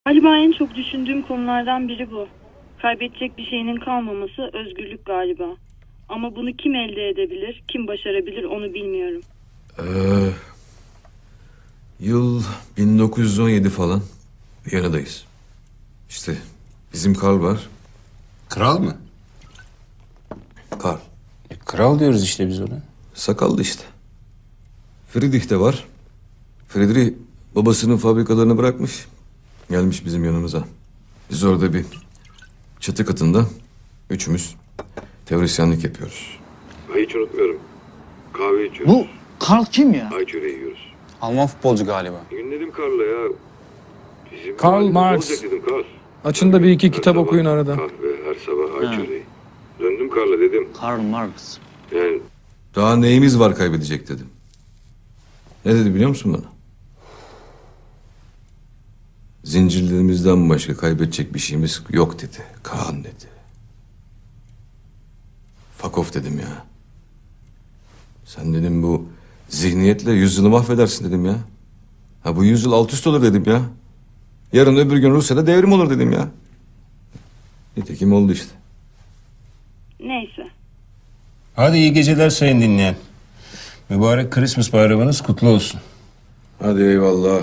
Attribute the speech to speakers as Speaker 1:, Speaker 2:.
Speaker 1: Galiba en çok düşündüğüm konulardan biri bu. Kaybedecek bir şeyinin kalmaması özgürlük galiba. Ama bunu kim elde edebilir, kim başarabilir onu bilmiyorum.
Speaker 2: Yıl 1917 falan. Viyana'dayız. İşte bizim Karl var.
Speaker 3: Kral mı?
Speaker 2: Karl.
Speaker 3: Kral diyoruz işte biz ona.
Speaker 2: Sakallı işte. Friedrich de var. Friedrich babasının fabrikalarını bırakmış. Gelmiş bizim yanımıza. Biz orada bir çatı katında üçümüz teorisyenlik yapıyoruz.
Speaker 4: Hiç unutmuyorum. Kahve içiyoruz.
Speaker 5: Bu Karl kim ya?
Speaker 4: Ay çöreği yiyoruz.
Speaker 5: Alman futbolcu galiba.
Speaker 4: Bir gün dedim Karl'a ya. Bizim
Speaker 6: Karl
Speaker 4: halimiz
Speaker 6: Marx.
Speaker 4: olacak dedim Karl.
Speaker 6: Açın da bir iki
Speaker 4: Her
Speaker 6: kitap
Speaker 4: sabah
Speaker 6: okuyun arada.
Speaker 4: Kahve, her sabah ay çöreği. Döndüm Karl'a dedim.
Speaker 5: Karl Marx.
Speaker 4: Yani
Speaker 2: Daha neyimiz var kaybedecek dedim. Ne dedi biliyor musun bana? Zincirlerimizden başka kaybedecek bir şeyimiz yok dedi. Kaan dedi. Fuck off dedim ya. Sen dedim bu zihniyetle yüzyılı mahvedersin dedim ya. Ha bu yüzyıl alt üst olur dedim ya. Yarın öbür gün Rusya'da devrim olur dedim ya. Nitekim oldu işte.
Speaker 1: Neyse.
Speaker 3: Hadi iyi geceler sayın dinleyen. Mübarek Christmas bayramınız kutlu olsun.
Speaker 2: Hadi eyvallah.